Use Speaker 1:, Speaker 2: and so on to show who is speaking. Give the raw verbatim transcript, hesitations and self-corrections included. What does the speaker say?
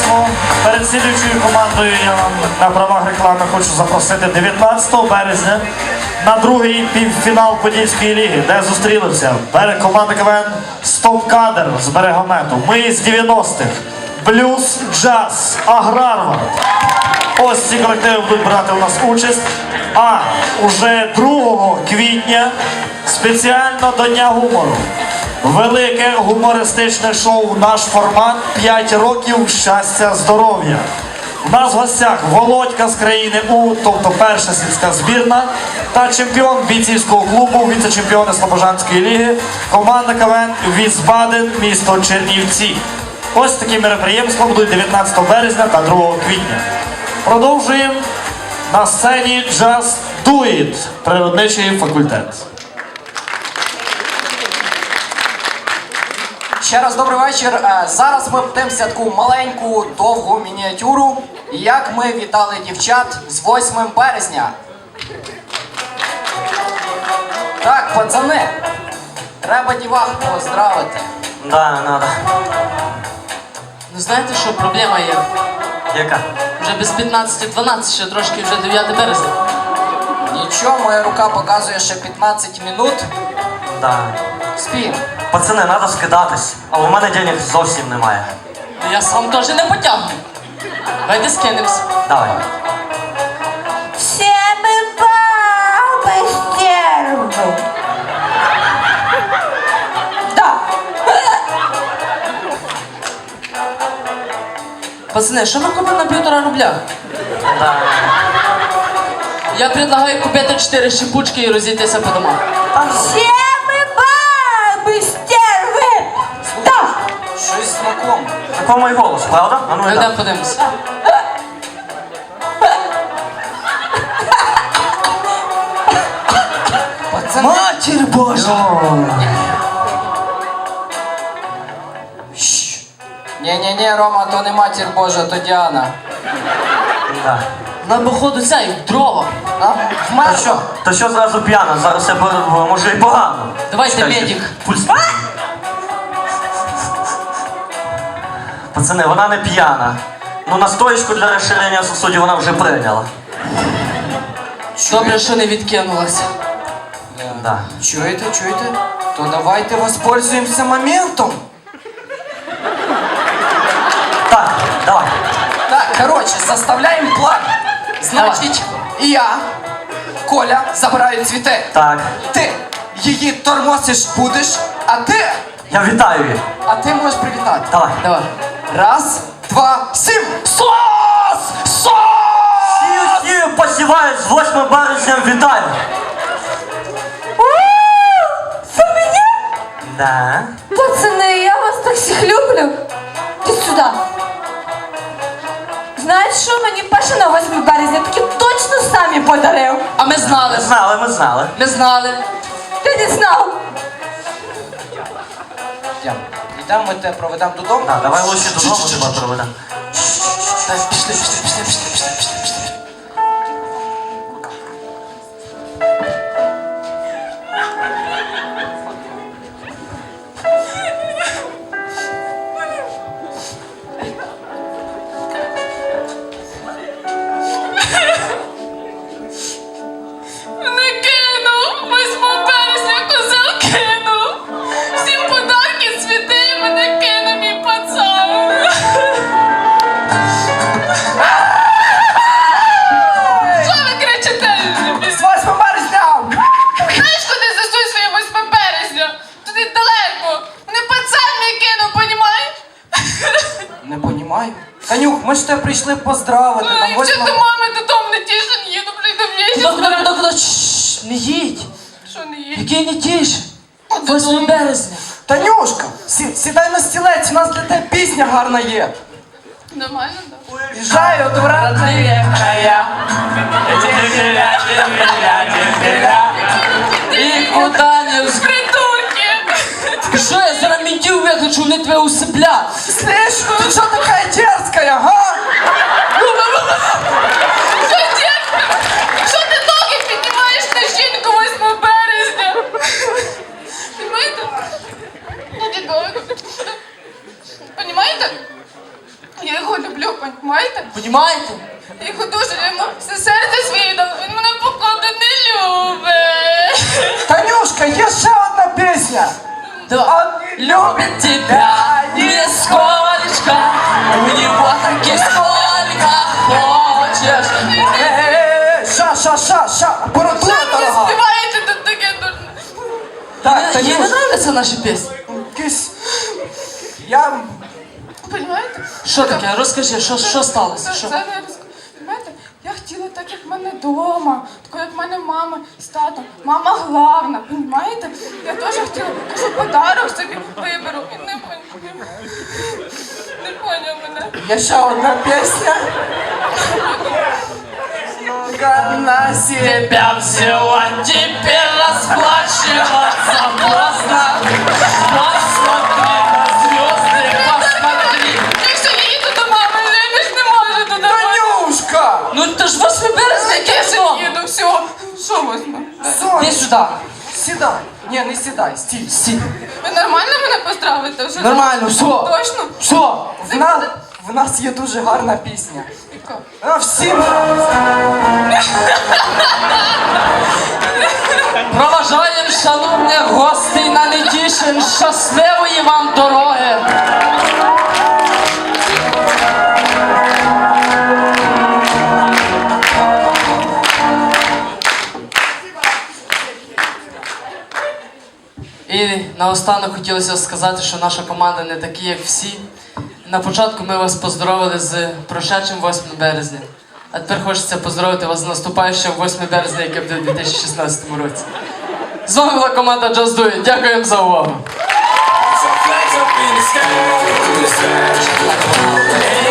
Speaker 1: Ну, перед слідуючою командою я вам на правах реклами хочу запросити дев'ятнадцятого березня на другий півфінал Подільської ліги, де зустрілися команда КВН «Стоп-кадр» з Берегомету. Ми з дев'яностих. Блюз, джаз, Аграрвард. Ось ці колективи будуть брати у нас участь. А уже другого квітня спеціально до Дня гумору. Велике гумористичне шоу «Наш формат. п'ять років щастя, здоров'я». У нас в гостях Володька з країни У, тобто перша сільська збірна, та чемпіон бійцівського клубу, віце-чемпіони Слобожанської ліги, команда КВН «Вісбаден», місто Чернівці. Ось такі мероприємства будуть дев'ятнадцятого березня та другого квітня. Продовжуємо на сцені Just Do It, природничий факультет.
Speaker 2: Ще раз добрий вечір. Зараз ми подивимося таку маленьку, довгу мініатюру, як ми вітали дівчат з восьмим березня. Так, пацани, треба дівах поздравити.
Speaker 3: Да, надо.
Speaker 4: Ну знаєте, що проблема є?
Speaker 3: Яка?
Speaker 4: Вже без п'ятнадцяти дванадцять, ще трошки вже дев'яте березня.
Speaker 2: Нічого, моя рука показує ще п'ятнадцять минут.
Speaker 3: Да.
Speaker 2: Спім.
Speaker 3: Пацани, треба скидатись, а у мене денег зовсім немає.
Speaker 4: Ну я сам теж не потягну. Давайте скинемось.
Speaker 3: Давай.
Speaker 5: Все мы бабы стервы. Да.
Speaker 4: Пацани, що нам купити на півтора рубля?
Speaker 3: Да.
Speaker 4: Я предлагаю купити чотири шипучки і розійтися по домам.
Speaker 5: Все мы бабы стервы. Да.
Speaker 2: Щось знакоме.
Speaker 3: Такий мій голос, правда? А ну
Speaker 4: Ми
Speaker 3: йдемо.
Speaker 4: йдемо подивимося.
Speaker 2: Пацани.
Speaker 4: Матір Божа!
Speaker 2: Ні-ні-ні, Рома, то не матір Божа, то Діана.
Speaker 3: Да.
Speaker 4: Нам походу цей дрова.
Speaker 2: А?
Speaker 3: То
Speaker 2: Вмерла.
Speaker 3: що? То що зразу п'яна? Зараз я б- може і погано.
Speaker 4: Давайте
Speaker 3: Чекайте.
Speaker 4: медик.
Speaker 3: Пульс. Пацани, вона не п'яна. Ну настоечку для розширення сосудів вона вже прийняла.
Speaker 4: Добре, що не відкинулася.
Speaker 3: Да.
Speaker 2: Чуєте, чуєте? То давайте воспользуємося моментом.
Speaker 3: Так, давай.
Speaker 2: Так, короче, составляем план. Значить, я, Коля, забираю цвіти.
Speaker 3: Так.
Speaker 2: Ти її тормосиш будеш, а ти,
Speaker 3: Я вітаю її.
Speaker 2: а ти можеш привітати.
Speaker 3: Давай.
Speaker 4: Давай.
Speaker 2: Раз, два, сім.
Speaker 3: Сос! Сос! Сію, сію, посіваю з восьмим березням, вітаю!
Speaker 5: Це мені?
Speaker 3: Да.
Speaker 5: Пацаны, я вас так всіх люблю. Іди сюди. Знаєш що, мені Паша на восьме березня таки точно самі подарив.
Speaker 4: А ми знали.
Speaker 3: Ми знали, ми знали.
Speaker 4: Ми знали.
Speaker 5: Ти не знав?
Speaker 2: Йдемо. Йдемо, ми тебе проведемо додому.
Speaker 3: Да, давай лучше додому тебе проведемо.
Speaker 4: Так, пішли, пішли, пішли, пішли, пішли, пішли, пішли.
Speaker 6: Не кинув, восьмого березня козел кинув. Всім подарки цвіти, мене кинув мій пацан. Що ви кричите?
Speaker 2: З восьмим березня!
Speaker 6: Знаєш, куди засуй своє восьме березня? Туди далеко. Мене пацан мій кинув, понімаєш?
Speaker 2: Не понімаю. Танюх, ми ж тебе прийшли поздравити.
Speaker 6: Ну,
Speaker 2: Там
Speaker 6: якщо
Speaker 2: восьмого...
Speaker 6: до мами додому не тішен їду, блін, до
Speaker 4: Куди,
Speaker 6: в'єсі.
Speaker 4: куди, куди, куди? Шшш, не їдь.
Speaker 6: Що не є?
Speaker 4: Який не тіш? восьме березня.
Speaker 2: Танюшка, сі- сідай на стілець, у нас для тебе пісня гарна є.
Speaker 6: Нормально, так?
Speaker 2: Їжджаю до родные края.
Speaker 4: І куди не вз...
Speaker 6: Придурки!
Speaker 4: Що я зараз ментів виключу, вони тебе усиплять.
Speaker 2: Слышь, ты что такая дерзкая, га?
Speaker 6: Що дядька? Що ти ноги піднімаєш на жінку восьмого березня? Понимаєте? Ну, дідо, понімаєте? Я його люблю. люблю, понімаєте?
Speaker 4: Понімаєте?
Speaker 6: Я його дуже йому все серце своє дав, він мене походу не любить.
Speaker 2: Танюшка, є ще одна пісня.
Speaker 4: Да. Любит тебя нисколечко, у него таки сколько хочешь.
Speaker 2: Е-е-е, ша, ша, ша, ша, апаратура
Speaker 6: Що ви
Speaker 2: дорога.
Speaker 6: співаєте тут таке дурне?
Speaker 2: Так,
Speaker 4: Їй не
Speaker 2: Танюш,
Speaker 4: нравляться наші пісні?
Speaker 2: якийсь... Я...
Speaker 6: Понімаєте?
Speaker 4: Що таке? Розкажи, що, що сталося?
Speaker 6: Це,
Speaker 4: Що?
Speaker 6: це не розк- Понімаєте? Я хотіла так, як в мене вдома, тако, як в мене мама з татом. Мама главна, понімаєте? Я теж хотіла, кажу, подарок собі виберу. Він не поняв. Не поняв мене.
Speaker 2: Є ще одна пісня. На сі...
Speaker 4: Тебя взяла, теперь расплачиваться поздно. Посмотри на звезды, посмотри.
Speaker 6: Я ще їду до мами, я ж не можу туди.
Speaker 2: Танюшка!
Speaker 4: Ну ти ж восьме березня, яке
Speaker 6: Я ще
Speaker 4: сон?
Speaker 6: їду, все. Що возьму?
Speaker 4: Іди
Speaker 2: Сонь,
Speaker 4: сюди.
Speaker 2: сідай. Ні, не сідай, стій.
Speaker 4: Сі.
Speaker 6: Ви нормально мене поздравите вже?
Speaker 4: Нормально, все.
Speaker 6: Точно?
Speaker 4: Все.
Speaker 2: В нас, в нас є дуже гарна пісня.
Speaker 6: Яка?
Speaker 2: А всім...
Speaker 4: Проважаємо, шановні гості на Нетішин. Щасливої вам дороги. І наостанок хотілося сказати, що наша команда не такі, як всі. На початку ми вас поздоровили з прошедшим восьмим березня. А тепер хочеться поздоровити вас з наступаючим восьмим березня, яке буде в дві тисячі шістнадцятому році. З вами була команда Just Do It. Дякуємо за увагу.
Speaker 7: Some flags up in the sky, in the sky, like a